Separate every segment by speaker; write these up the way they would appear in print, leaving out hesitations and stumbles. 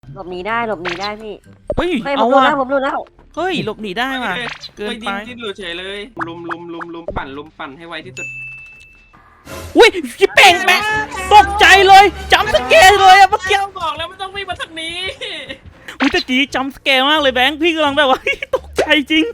Speaker 1: หลบหนีได้หลบหนีได้พี่
Speaker 2: เฮ้ย
Speaker 1: เฮ้ยผ
Speaker 2: เอา
Speaker 1: มรู้
Speaker 2: ว่ะ
Speaker 1: แล้วผมรู้แล้ว
Speaker 2: เฮ้ยหลบหนีได้ว่ะเกินไป
Speaker 3: ดิ้นหลุดเฉยเลยลุมปั่นให้ไวที่สุด
Speaker 2: อุ้ยพี่เป่งแม่ตกใจเลยจำสเกลเลยอะเมื่อกี้
Speaker 3: บอกแล้วไม่ต้องวิ่งมาทางนี้
Speaker 2: อุ้ยตะกี้จำสเกลมากเลยแบงค์พี่กำลังแบบว่า ตกใจจริง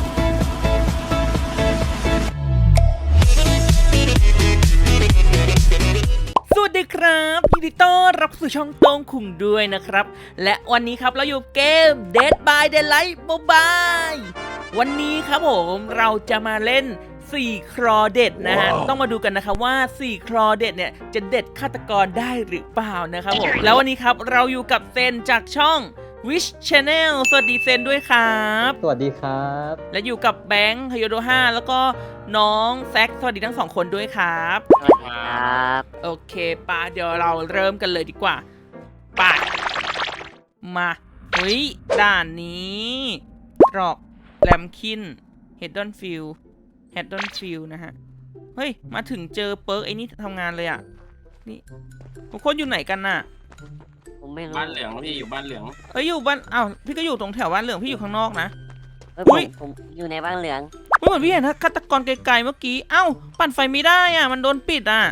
Speaker 2: สวัสดีครับยินดีต้อนรับสู่ช่องโต้งคุงด้วยนะครับและวันนี้ครับเราอยู่เกม Dead by Daylight Mobile วันนี้ครับผมเราจะมาเล่น4 ครอเด็ดนะฮะ ต้องมาดูกันนะครับว่า4 ครอเด็ดเนี่ยจะเด็ดฆาตกรได้หรือเปล่านะครับผมแล้ววันนี้ครับเราอยู่กับเซนจากช่อง Wish Channel สวัสดีเซนด้วยครับ
Speaker 4: สวัสดีครับ
Speaker 2: และอยู่กับแบงค์ฮโยโด5แล้วก็น้องแซคสวัสดีทั้ง2คนด้วยครับ
Speaker 1: สวัสดีครับ
Speaker 2: โอเคป่ะเดี๋ยวเราเริ่มกันเลยดีกว่าป่ะมาเฮ้ยด่านนี้ตรอกแลมคินเฮดดอนฟิลนะฮะเฮ้ยมาถึงเจอเปิร์กไอ้นี่ทำงานเลยอ่ะนี่ทุกคนอยู่ไหนกันน่ะ
Speaker 1: ผมไม่รู้
Speaker 3: บ้านเหลืองพี่อยู่บ้านเหลือง
Speaker 2: เอ้ยอยู่บ้านอ้าวพี่ก็อยู่ตรงแถวบ้านเหลืองพี่อยู่ข้างนอกนะ
Speaker 1: เฮ้ย
Speaker 2: อุ๊ย
Speaker 1: ผมอยู่ในบ้านเหลือง
Speaker 2: เฮ้ยเหมือนพี่เห็นฆาตกรไกลๆเมื่อกี้เอ้าปั่นไฟไม่ได้อ่ะมันโดนปิดอ่ะ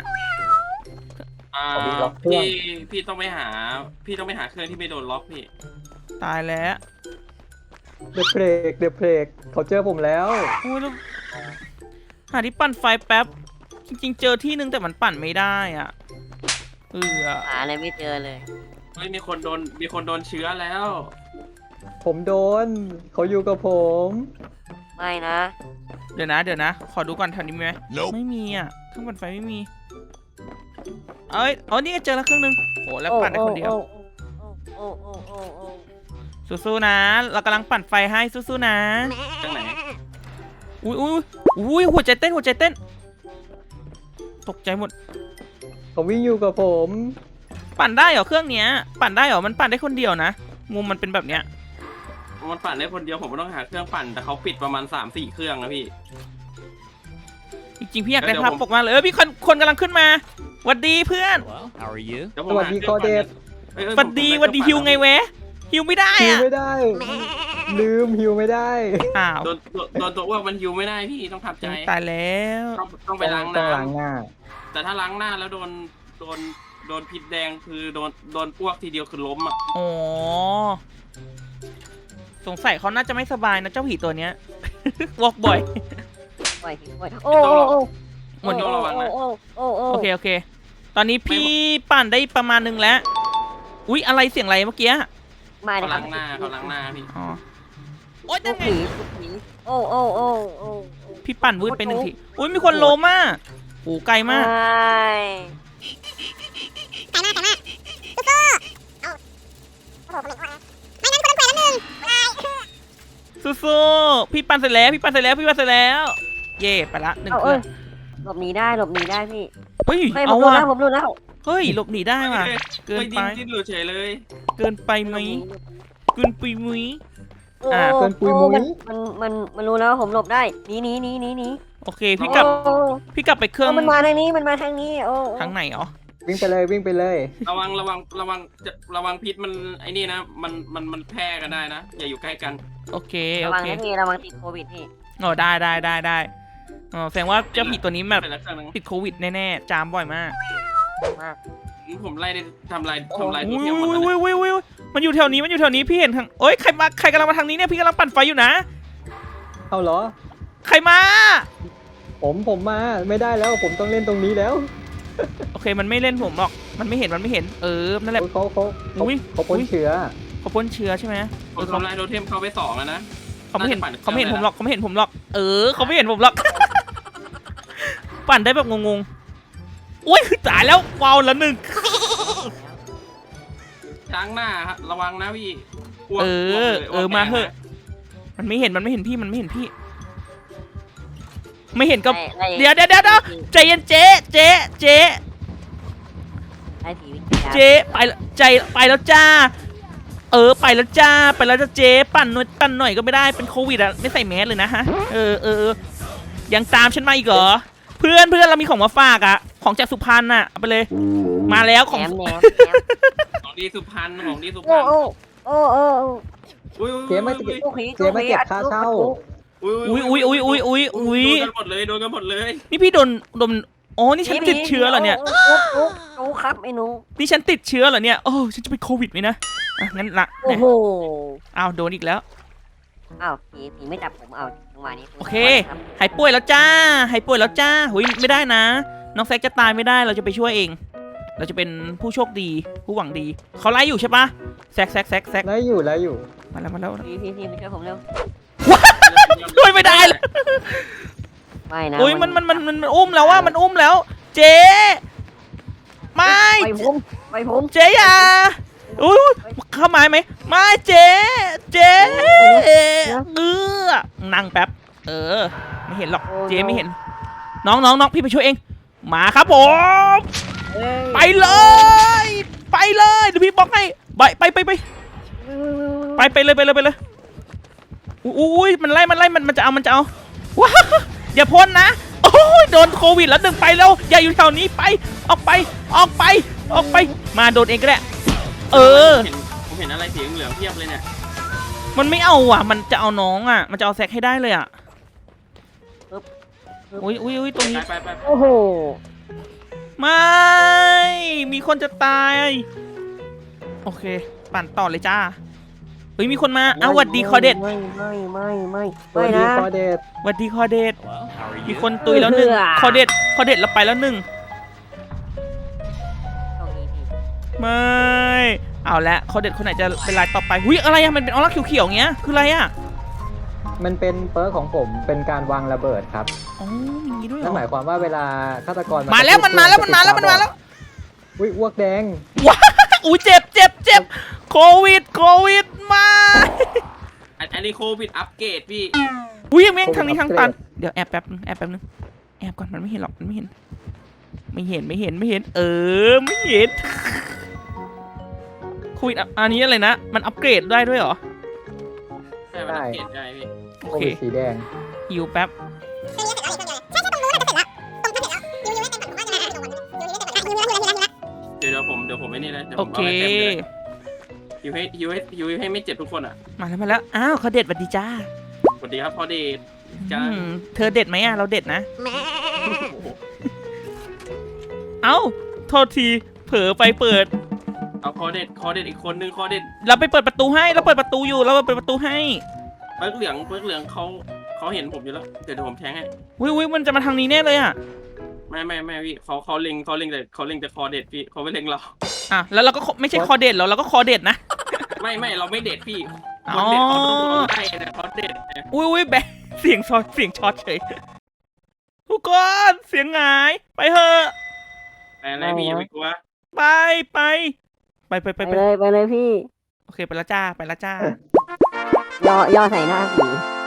Speaker 3: พี่ต้องไปหาเครื่องที่ไม่โดนล็อกพี่
Speaker 2: ตายแล้ว
Speaker 4: เดอะเพลกเขาเจอผมแล้ว
Speaker 2: โอ้ยแล้วหาที่ปั่นไฟแป๊บจริงๆเจอที่นึงแต่มันปั่นไม่ได้อ่ะ
Speaker 1: หาอะไรไม่เจอเลย
Speaker 3: เฮ้ยมีคนโดนเชื้อแล้ว
Speaker 4: ผมโดน เขาอยู่กับผม
Speaker 1: ไม่นะ
Speaker 2: เดี๋ยวนะขอดูก่อนแถวนี้มีไหมไม่มีอ่ะเครื่องปั่นไฟไม่มีเอ้ยอ๋อนี่เจอแล้วเครื่องนึงโหแล้วปั่นได้คนเดียว
Speaker 1: โอ้โอ้โอ้โอ้
Speaker 2: สู้ๆนะเรากำลังปั่นไฟให้สู้ๆนะ
Speaker 3: ทางไหน
Speaker 2: อุ้ยหัวใจเต้นตกใจหมด
Speaker 4: เขาวิ่งอยู่กับผม
Speaker 2: ปั่นได้เหรอเครื่องเนี้ยปั่นได้เหรอมันปั่นได้คนเดียวนะมุมมันเป็นแบบเนี้ย
Speaker 3: มันปั่นได้คนเดียวผมไม่ต้องหาเครื่องปั่นแต่เขาปิดประมาณ 3-4 เครื่องนะพี่
Speaker 2: จริงๆพี่อยากได้ภาพปกมากเลยพี่คนกำลังขึ้นมาหวัดดีเพื่อน
Speaker 5: How are you?
Speaker 3: เดี๋ยวผ
Speaker 4: ส
Speaker 3: ม
Speaker 4: วัส
Speaker 3: หา
Speaker 4: ดี
Speaker 3: เค
Speaker 4: ค
Speaker 3: รื่
Speaker 4: อ
Speaker 3: อง
Speaker 4: เด
Speaker 3: ปั่น
Speaker 4: ด
Speaker 2: หวัดดีฮิวไงแวะฮิวไม่ได้
Speaker 4: ฮิว
Speaker 2: อะ
Speaker 4: ไม่ได้ ลืมฮิวไม่ได้
Speaker 2: อ้าว
Speaker 3: โดนตัวอ้วกมันฮิวไม่ได้พี่ต้องทำใจ
Speaker 2: ตายแล้ว
Speaker 3: ต้องไปล้าง
Speaker 4: ต้อง
Speaker 3: น้
Speaker 4: ล้างหน้า
Speaker 3: ำแต่ถ้าล้างหน้าแล้วโดนพิษแดงคือโดนอ้วกทีเดียวคือล้มอ่ะ
Speaker 2: อ๋อสงสัยเขาน่าจะไม่สบายนะเจ้าผีตัวเนี้ย วอกบ่อย
Speaker 1: โอ้ยโอ้ยโอ้โอ้โอ้
Speaker 2: หมด
Speaker 3: ต้องระวังนะ
Speaker 1: โอ้โอ้โอ้
Speaker 2: โอเคตอนนี้พี่ปั่นได้ประมาณนึงแล้วอุ๊ยอะไรเสียงอะไรเมื่อกี้
Speaker 1: มา
Speaker 3: เขา
Speaker 1: เลยครั
Speaker 3: ล้างหน้าพี่
Speaker 2: อ๋อโอ๊ย
Speaker 1: พว
Speaker 2: นั่
Speaker 1: ก
Speaker 2: นไง
Speaker 1: ผีโอ้โอ้โอ้โอ้
Speaker 2: พี่ปั่นวืดไปหนึ่งทีอุ๊ยมีคนล้มอ่ะโอ้ไกลมาก สู้ๆพี่ปั่นเสร็จแล้วเย่ไปละหนึ่ง
Speaker 1: เอา
Speaker 2: เครื่อง
Speaker 1: หลบหนีได้หลบหนีได้พี่
Speaker 2: เฮ้ย
Speaker 1: เฮ้ยผ
Speaker 2: เอา
Speaker 1: มรู้
Speaker 2: ว่ะ
Speaker 1: แล้วผมรู้แล้ว
Speaker 2: เฮ้ยหลบหนีได้ว่ะเกินไป
Speaker 3: ดิ้นหลุดเฉยเลย
Speaker 2: เกินไปไหมเกินไปไหม
Speaker 1: โอ้
Speaker 2: อ่ะ
Speaker 4: เกินปุยมุ้ย
Speaker 1: มันรู้แล้วผมหลบได้หนี
Speaker 2: โอเคพี่กลับไปเครื่อง
Speaker 1: มันมาทางนี้มันมาทางนี้โอ้
Speaker 2: ทางไหนอ๋อ
Speaker 4: วิ่งไปเลย
Speaker 3: ระวังพิษมันไอ้นี่นะมันแพร่กันได้นะอย่าอยู่ใกล้กัน
Speaker 2: โอเค
Speaker 1: ระวังนะพี่ระวังติดโควิดพี่
Speaker 2: อ๋อได้อ๋อแสดงว่าเจ้าผีตัวนี้แบบ
Speaker 3: ไปแล้วเครื่องนึง
Speaker 2: ติดโควิดแน่ๆจามบ่อยมาก
Speaker 1: มาก
Speaker 3: ผมไล่ได้ทำลายตัว
Speaker 2: อุ้ย
Speaker 3: เทียมหมดแล้ว
Speaker 2: มันอยู่แถวนี้พี่เห็นทางโอ๊ยใครกำลังมาทางนี้เนี่ยพี่กำลังปั่นไฟอยู่นะ
Speaker 4: เอาเหรอ
Speaker 2: ใครมา
Speaker 4: ผมมาไม่ได้แล้ว ผมต้องเล่นตรงนี้แล้ว
Speaker 2: โอเคมันไม่เล่นผมหรอกมันไม่เห็นนั่นแหละ
Speaker 4: เขา
Speaker 2: อุ๊ย
Speaker 4: พ่นเชื้อ
Speaker 2: เขาพ่นเชื้อใช่ไหม
Speaker 3: ผมทำลายโทเทมเขาไป2แล้วนะ
Speaker 2: เขาไม่เห็น
Speaker 3: น่าจะปั่น
Speaker 2: เขาไม่เห็น
Speaker 3: เครื่
Speaker 2: ผ
Speaker 3: อง
Speaker 2: มหรอกเขาไม่เห็นผมหรอกเขาไม่เห็นผมหรอก ปั่นได้แบบงงๆอุ้ยตายแล้ววาวละหนึ่ง
Speaker 3: ล้างหน้าครับระวังนะพี่อ้วก
Speaker 2: มาเถอะมันไม่เห็นพี่ไม่เห็นก็เดี๋ยวใจเย็นเจ๊
Speaker 1: ไอ้ผีวิญญาณ
Speaker 2: เจ๊ไปแล้วจ้าไปแล้วจ้าเจ๊ปั่นหน่อยก็ไม่ได้เป็นโควิดอ่ะไม่ใส่แมสเลยนะฮะยังตามฉันมาอีกเหรอเพื่อนเรามีของมาฝากอ่ะของจากสุพรรณอ่ะเอาไปเลยมาแล้วของ
Speaker 1: แหนม
Speaker 3: เอาของดีสุพรรณของดีสุพร
Speaker 1: โอ้
Speaker 3: รณ
Speaker 1: โอ้โอ้โอ้
Speaker 3: อุ้ย
Speaker 4: เจ๊มาเก็บ
Speaker 1: โอ้โห
Speaker 4: เจ๊มาเก็บค่าเช่า
Speaker 2: อุ้ย
Speaker 3: โดนกันหมดเลยโดนกันหมดเลย
Speaker 2: นี่พี่โดนอ๋อนี่ฉันติดเชื้อเหรอเนี่ย
Speaker 1: โอ้ครับไอ้หนู
Speaker 2: นี่ฉันติดเชื้อเหรอเนี่ยโอ้ฉันจะเป็นโควิดไหมนะอ่ะงั้นละ
Speaker 1: โอ้โห
Speaker 2: อ้าวโดนอีกแล้ว
Speaker 1: อ้าวผีไม่จับผมเอาจังหวะนี้
Speaker 2: โอเค หายป่วยแล้วจ้าหายป่วยแล้วจ้าหุยไม่ได้นะ น้องแซกจะตายไม่ได้เราจะไปช่วยเอง เราจะเป็นผู้โชคดีผู้หวังดีเขาไล่อยู่ใช่ปะแซก
Speaker 4: แล้วอยู่
Speaker 2: มาแล้ว
Speaker 1: พี่มาช่วยผมเร็ว
Speaker 2: ช่วยไม่ได้เลย
Speaker 1: ไม่นะ
Speaker 2: อุ้ยมันอุ้มแล้วว่ามันอุ้มแล้ว เจ๊ไม่
Speaker 1: ไปผม
Speaker 2: เจ๊อย่าอุ้ยเข้าไม้ไหมไม่เจ๊นั่งแป๊บไม่เห็นหรอกเจ๊ไม่เห็นน้องพี่ไปช่วยเองมาครับผมไปเลยเดี๋ยวพี่บอกให้ไปเลยอุ้ยมันไล่มันจะเอาว้าอย่าพ่นนะโอ้ยโดนโควิดแล้วดึงไปแล้วอย่าอยู่แถวนี้ไปออกไปมาโดนเองก็ได้
Speaker 3: ผมเห็นอะไรสีเหลืองเพียบเลยเนี่ย
Speaker 2: มันไม่เอาอ่ะมันจะเอาน้องอ่ะมันจะเอาแซกให้ได้เลยอ่ะอุ้ยตรงนี้
Speaker 3: ไป
Speaker 1: โอ้โห
Speaker 2: ไม่มีคนจะตายโอเคปั่นต่อเลยจ้าเฮ้ยมีคนมาหวัดดีคอเดต
Speaker 1: ไม่
Speaker 4: สวัสดี
Speaker 1: นะ
Speaker 4: คอเดต
Speaker 2: หวัดดีคอเดตมีคนตุยแล้วหนึ่งคอเดตแล้วไปแล้วหนึ่งไม่เอาละคอเดตคนไหนจะเป็นรายต่อไปหุ้ยอะไรอะมันเป็นออร่าเขียวๆเงี้ยคืออะไรอะ
Speaker 4: มันเป็นเปิร์กของผมเป็นการวางระเบิดครับ
Speaker 2: อ๋อมีอย่างงี้ด้วยเหร
Speaker 4: นั่นห
Speaker 2: อ
Speaker 4: มายความว่าเวลาฆาตกร
Speaker 2: มาแล้วมันมาแล้ว
Speaker 4: อุ้ยอ้วกแดง
Speaker 2: ว้าอุ้ยเจ็บโควิดมา
Speaker 3: อันนี้โควิดอัปเกรดพี่
Speaker 2: อุ้ยแม่งทางนี้ทางตันเดี๋ยวแอบแป๊บนึงแอบก่อนมันไม่เห็นหรอกมันไม่เห็นไม่เห็นไม่เห็นโควิดอันนี้อะไรนะมันอัปเกรดได้ด้วยเหรอ
Speaker 3: ใช่มันอัปเกรดได้พี่
Speaker 2: โอ
Speaker 4: โค
Speaker 2: เค
Speaker 4: วิดสีแดง
Speaker 2: หิวแป๊บ
Speaker 3: เดี๋ยวผมไม่นี่นะเดี๋ยว
Speaker 2: โอ
Speaker 3: ผม
Speaker 2: เค
Speaker 3: เอาไปเต็มเลยฮิวให้ไม่เจ็บทุกคนอ่ะ
Speaker 2: มาแล้วอ้าวเขาเด็ดสวัสดีจ้า
Speaker 3: สวัสดีครับพอดีจ้า
Speaker 2: เธอเด็ดไหมอะเราเด็ดนะเอ้าโทษทีเผลอไปเปิด
Speaker 3: เอาคอเด็ดอีกคนนึงคอเด็ด
Speaker 2: เราไปเปิดประตูให้เราเปิดประตูอยู่เราเปิดประตูให้
Speaker 3: เปิร์กเหลืองเขาเห็นผมอยู่แล้วเดี๋ยวผมแทงให้
Speaker 2: วิมันจะมาทางนี้แน่เลยอะ
Speaker 3: ไม่พี่เขาเล็งแต่คอเด็ดพี่เขาไม่เล็งเรา
Speaker 2: อ่ะแล้วเราก็ไม่ใช่คอเด็ดเราก็คอเด็ดนะ
Speaker 3: ไม่เราไม่เด็ดพี่ค
Speaker 2: อ๋อ
Speaker 3: นเด็ดเขาต้องโดนไล่นะเขาเด็ดนะ
Speaker 2: อุ้ยแบะเสียงช็อตเฉยทุกคนเสียงหงายไปเถอะ
Speaker 3: อะไรพี่อย่าไปกลัว
Speaker 2: ไป
Speaker 1: เลยพี่
Speaker 2: โอเคไปแล้วจ้า
Speaker 1: ย่อใส่หน้าผี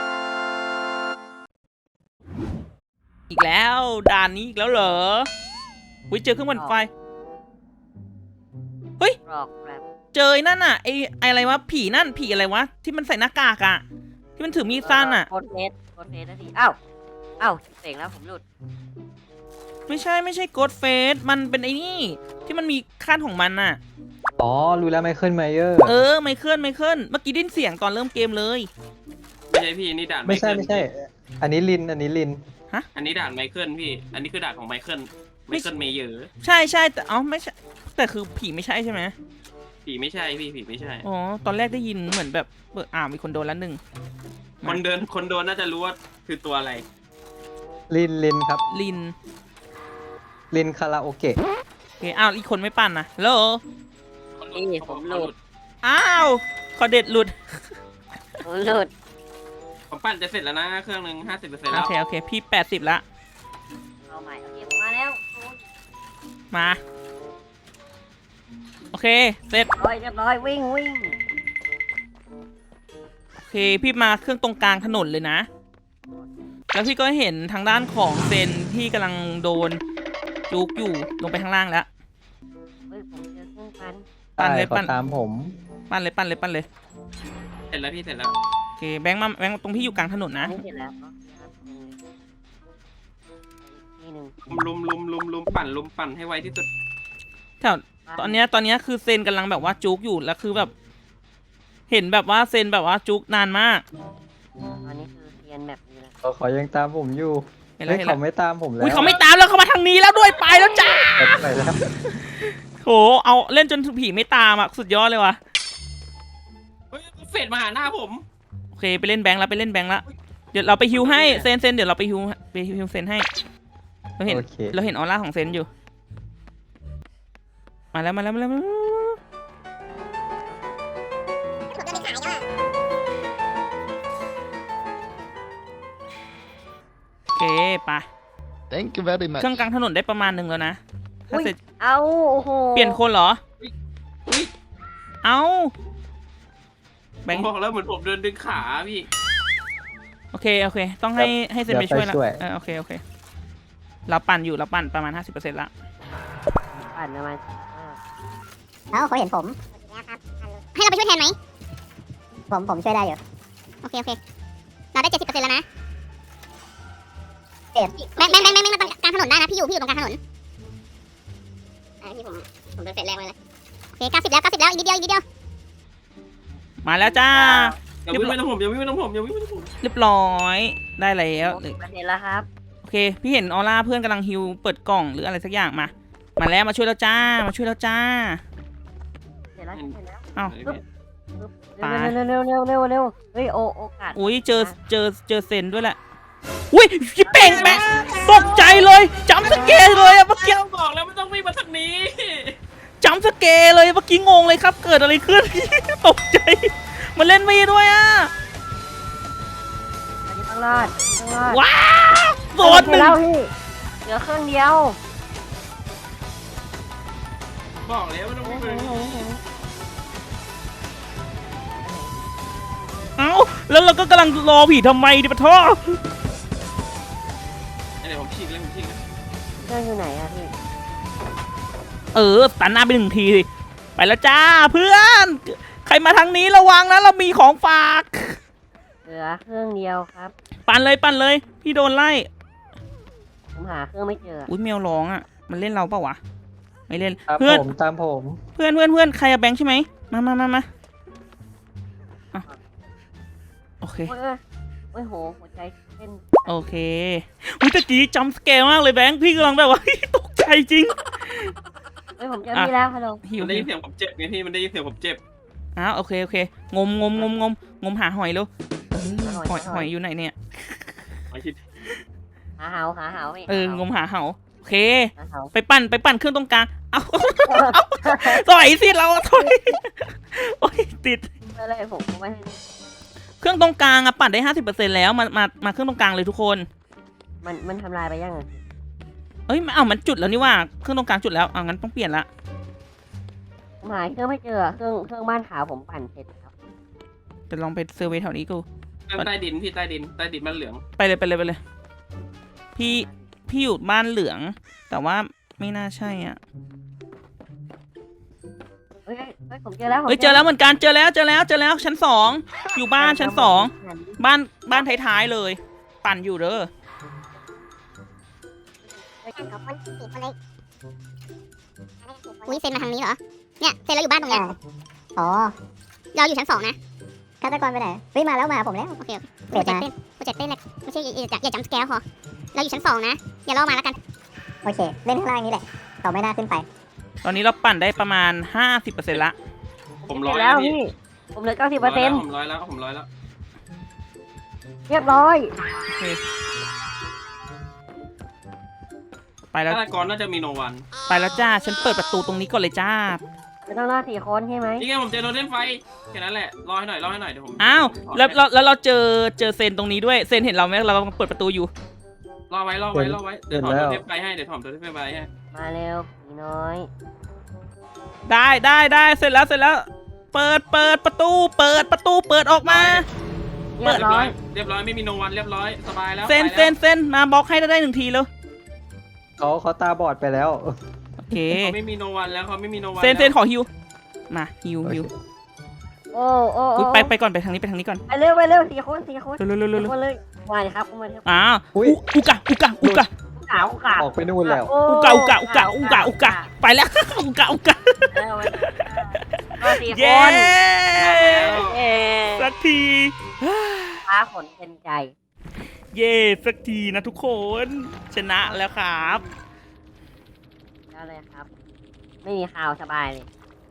Speaker 2: อีกแล้วด่านนี้อีกแล้วเหรออุ้ยเจอเครื่องปั่นไฟ
Speaker 1: กรอกแบบ
Speaker 2: เจอนั่นน่ะไออะไรวะผีอะไรวะที่มันใส่หน้ากากอะที่มันถือมีดสั้นอะ
Speaker 1: โคตรเฟสนะพี่อ้าวเสกแล้วผมหลุด
Speaker 2: ไม่ใช่โกดเฟสมันเป็นไอ้นี่ที่มันมีขั้นของมันน่ะ
Speaker 4: อ๋อรู้แล้วไมเคิลไมเยอร์
Speaker 2: ไมเคิลเมื่อกี้ได้ยินเสียงตอนเริ่มเกมเลย
Speaker 3: ไม่ใช่พี่นี่ด่าน
Speaker 4: ไม่ใช่อันนี้ลิน
Speaker 3: อันนี้ด่านไมเคิลพี่อันนี้คือด่านของไมเคิลเมเยอร์
Speaker 2: ใช่แต่ไม่ใช่แต่คือผีไม่ใช่ใช่ไหม
Speaker 3: ผีไม่ใช่พี่ผีไม่ใช่
Speaker 2: อ๋อตอนแรกได้ยินเหมือนแบบมีคนโดนแล้วหนึ่ง
Speaker 3: คนโดนน่าจะรู้ว่าคือตัวอะไร
Speaker 4: ลินครับ
Speaker 2: ลิน
Speaker 4: คาราโอเกะ
Speaker 2: โอเคอีกคนไม่ปั่นนะโล
Speaker 1: นี่ผมหลุด
Speaker 2: คอเด็ดหลุด
Speaker 3: ผมปั่นจะเสร็จแล้วนะเครื่องหนึ่ง50%แล้ว
Speaker 2: โอเคพี่80ละ
Speaker 1: เอาใหม่โอเคผมมาแล้ว
Speaker 2: มาโอเคเสร็จ
Speaker 1: เรียบร้อยวิ่ง
Speaker 2: โอเคพี่มาเครื่องตรงกลางถนนเลยนะแล้วพี่ก็เห็นทางด้านของเซนที่กำลังโดนจุกอยู่ลงไปข้างล่างแล้ว
Speaker 1: ผมเจอเครื่องปั่น
Speaker 2: ปั่นเลย
Speaker 4: ตามผม
Speaker 2: ปั่นเลย
Speaker 3: เสร็จแล้วพี่เสร็จแล้ว
Speaker 2: โอเคแบงค์ตรงพี่อยู่กลางถนนนะ
Speaker 1: นี่เสร็จแล้วนี่หนึ่ง
Speaker 3: ลุมปั่นให้ไวที่สุด
Speaker 2: ตอนเนี้ยคือเซนกำลังแบบว่าจุกอยู่แล้วคือแบบ เห็นแบบว่าเซนแบบว่าจุกนานมาก
Speaker 1: ตอนนี้คือเรียนแบบนี้นะ
Speaker 4: เขายังตามผมอยู่
Speaker 2: เห็นแล้ว
Speaker 4: เฮ้ยเขาไม่ตามผมแล้ว
Speaker 2: อุ้ยเขาไม่ตามแล้วเขามาทางนี้แล้วด้วยไปแล้วจ้า
Speaker 4: ไปแล้ว
Speaker 2: โหเอาเล่นจนผีไม่ตามอ่ะสุดยอดเลยว่ะ
Speaker 3: เฮ้ยเฟดมาหาหน้าผม
Speaker 2: โอเคไปเล่นแบงค์แล้วไปเล่นแบงค์แล้วเดี๋ยวเราไปฮิวให้เซนเดี๋ยวเราไปฮิวเซนให้เราเห็น
Speaker 4: โอเค
Speaker 2: เราเห็นออร่าของเซนอยู่ มาแล้วโอเคไป
Speaker 5: Thank you very
Speaker 2: เค
Speaker 5: much.
Speaker 2: รื่องกลางถนนได้ประมาณหนึ่งแล้วนะถ้าเสร็จ
Speaker 1: เอาโอ้โห
Speaker 2: เปลี่ยนคนเหรอ
Speaker 3: อุ๊ย
Speaker 2: เอาแบ
Speaker 3: ผ
Speaker 2: ง
Speaker 3: ม
Speaker 2: ค์
Speaker 3: บอกแล้วเหมือนผมเดินดึงขาพี่
Speaker 2: โอเคต้องให้เซนไปช่วยแล้ว
Speaker 4: เดี๋ยวไปช่วย
Speaker 2: โอเคเราปั่นประมาณ 50%ละ
Speaker 1: ปั่นประมาณ
Speaker 6: แล้วเขาเห็นผม ให้เราไปช่วยแทนไหม ผมช่วยได้อยู่ โอเค เราได้ 70%แล้วนะแบงค์มาตรงกลางถนนได้นะ พี่อยู่ตรงกลางถนนพี่ผมเป็นเฟสแรกเลยโอเค90แล้วอีกนิดเดียว
Speaker 2: มาแล้วจ้า
Speaker 3: อย่าวิ่งไม่ต้องผมอย่าวิ่งไม่ต้องผมอย่าวิ่งไม่ต้องผม
Speaker 2: เรียบร้อยได้แล้ว
Speaker 1: 60%แล้วครับ
Speaker 2: โอเค พี่เห็นออร่าเพื่อนกำลังฮิวเปิดกล่องหรืออะไรสักอย่างมาแล้วมาช่วยแล้วจ้า
Speaker 1: เสร็จแล้ว
Speaker 2: เอ้า ไป
Speaker 1: เร็วเฮ้ยโอกาส
Speaker 2: อุ้ยเจอเซนด้วยแหละอุ้ยพี่เป่งแม่ตกใจเลยจำสเกลเลยอะเมื่อกี้
Speaker 3: เจ้าบอกแล้วไม่ต้องวิ่งมาทางนี้
Speaker 2: จำสเกลเลยเมื่อกี้งงเลยครับเกิดอะไรขึ้น ตกใจมันเล่นไม่ด้วยอะ
Speaker 1: อันนี้ต้องรอด
Speaker 2: ว้าวโดนหนึ่ง
Speaker 1: แล้วพี่เหลือเครื่องเดียว
Speaker 3: บอกแล้วไม่ต้องวิ่งมาทางนี้
Speaker 2: เอ้าแล้วเราก็กำลังรอผีทำไมดิปะท่อ
Speaker 3: เดี๋ยวผมฉีกเลย
Speaker 1: เครื่องอยู่ไหนอะพี่
Speaker 2: ตันหน้าไปหนึ่งทีสิไปแล้วจ้าเพื่อน ใครมาทางนี้ระวังนะเรามีของฝาก
Speaker 1: เหลือเครื่องเดียวครับ
Speaker 2: ปั่นเลย พี่โดนไล่
Speaker 1: ผมหาเครื่องไม่เจอ
Speaker 2: อุ้ยแมวร้องอ่ะมันเล่นเราเปล่าวะไม่เล่น
Speaker 4: ตาม
Speaker 2: เพื่อน
Speaker 4: ผมตามผม
Speaker 2: เพื่อนใครอะแบงค์ใช่ไหมมาอ่ะโอเค
Speaker 1: โอ้ยโหหัวใจเต้น
Speaker 2: โอเคอุ้ยตะกี้จำสแกลมากเลยแบงค์พี่กำลังแบบว่า ตกใจจริง
Speaker 1: เฮ้ยผมเจอพี่แล้วฮัลโหล
Speaker 2: หิว
Speaker 3: มันได้ยินเสียงผมเจ็บไงพี่มันได้ยินเสียงผมเจ็บ
Speaker 2: อ้าวโอเคงมหาหอยเร็วหอยอยู่ไหนเนี่ย
Speaker 1: หาเหาพี่
Speaker 2: งมหาเหาโอเค
Speaker 1: หาเหา
Speaker 2: ไปปั่นเครื่องตรงกลางเอาถอยสิเราถอยโอ้ยติด
Speaker 1: อะไรผมไม่ให้
Speaker 2: เครื่องตรงกลางอะปั่นได้ 50%แล้วมาเครื่องตรงกลางเลยทุกคน
Speaker 1: มันทำลายไปยังไง
Speaker 2: เอ้ยมันจุดแล้วนี่ว่าเครื่องตรงกลางจุดแล้วงั้นต้องเปลี่ยนละ
Speaker 1: ผมหาเครื่องไม่เจอเครื่องบ้านขาวผมปั่นเสร็จครับ
Speaker 2: จะลองไปเซอร์เวย์แถวนี้กู
Speaker 3: ใต้ดินพี่ใต้ดินมันเหลือง
Speaker 2: ไปเลยพี่อยู่บ้านเหลือง แต่ว่าไม่น่าใช่อ่ะ
Speaker 1: เฮ้ยผมเจอแล้ว
Speaker 2: เฮ้ยเจอแล้วเหมือนกันเจอแล้วชั้น 2อยู่บ้านชั้น 2บ้านท้ายๆเลย ปั่นอยู่เด้อ
Speaker 6: อุ้ยเซนมาทางนี้เหรอ เนี่ยเซนเราอยู่บ้านตรงเนี้ยอ๋อ เราอยู่ชั้น 2 นะฆาตกรไปไหนเฮ้ยมาแล้วมาผมแล้ว โอเคโปรเจกต์เต้นเลยไม่ใช่อย่าจำสแกลพอ เราอยู่ชั้น 2 นะ อย่าล่อมาแล้วกัน โอเค เล่นข้างล่างนี้แหละเราไม่น่าขึ้นไป
Speaker 2: ตอนนี้เราปั่นได้ประมาณ 50%ละ
Speaker 3: ผม
Speaker 1: เจ
Speaker 3: ร้อย
Speaker 1: อแล้ว
Speaker 3: พี่
Speaker 1: พี่ผมเหลือ 90%
Speaker 3: ผมร้อยแล้ว
Speaker 1: เรียบร้อย
Speaker 2: โอเคไปแล้ว
Speaker 3: ฆาตกรน่าจะมีโนวัน
Speaker 2: จ้าฉันเปิดประตูตรงนี้ก่อนเลยจ้า
Speaker 1: ไม่ต้องรอด4 คนใช่ไหม
Speaker 3: นี่ไงผมเจอโดนเล่นไฟแค่นั้นแหละรอให้หน่อยเดี๋ยวผม
Speaker 2: อ้าวแล้วเราเจอเซนตรงนี้ด้วยเซนเห็นเราไหมเรากำลังเปิดประตูอยู่
Speaker 3: รอไว้เดี๋ยวถอดตัวเทปไปให้
Speaker 1: มาเร็วผีน้อย
Speaker 2: ได้เสร็จแล้วเปิดประตูเปิดออกมา
Speaker 1: เรียบร้อย
Speaker 3: เรียบร้อยไม่มีโนวันเรียบร้อยสบายแล้ว
Speaker 2: เซนมาบล็อกให้ได้1 ทีแล้ว
Speaker 4: เขาตาบอดไปแล้ว
Speaker 2: โอเค
Speaker 3: เขาไม่มีโนวันแล้วเขาไม่มีโนวัน
Speaker 2: เซนขอฮิวมาฮิว
Speaker 1: โอ้
Speaker 2: อุ๊ยไปก่อนไปทางนี้ก่อน
Speaker 1: ไปเร็ว4 คน
Speaker 2: เร็ว
Speaker 1: คนเลยมาเลยครับมาเลย
Speaker 2: อ้าว
Speaker 4: อุ๊ย
Speaker 2: อุกะ
Speaker 1: ออุกา
Speaker 4: ออกไปนู่นแล้ว
Speaker 2: อุกะไปแล้ว อุกะ
Speaker 1: ก็สี่ค
Speaker 2: เย้
Speaker 1: นเย้
Speaker 2: สักที
Speaker 1: ฟ้าฝนเป็นใจ
Speaker 2: เย้สักทีนะทุกคน ชนะแล้วครับ
Speaker 1: ได้เลยครับ ไม่มีข่าวสบายเลย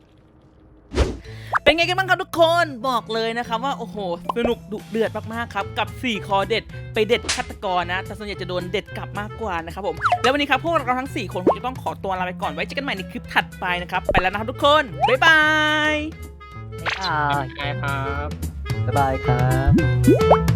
Speaker 2: เป็นไงกันบ้างครับทุกคนบอกเลยนะครับว่าโอ้โหสนุกดุเดือดมากๆครับกับ4คอเด็ดไปเด็ดฆาตกรนะแต่ส่วนใหญ่จะโดนเด็ดกลับมากกว่านะครับผมแล้ววันนี้ครับพวกเราทั้ง4คนคงจะต้องขอตัวลาไปก่อนไว้เจอกันใหม่ในคลิปถัดไปนะครับไปแล้วนะครับทุกคนบ๊ายบาย
Speaker 1: บ๊ายบาย
Speaker 3: ใช่ครับ
Speaker 4: บ๊ายบายครับ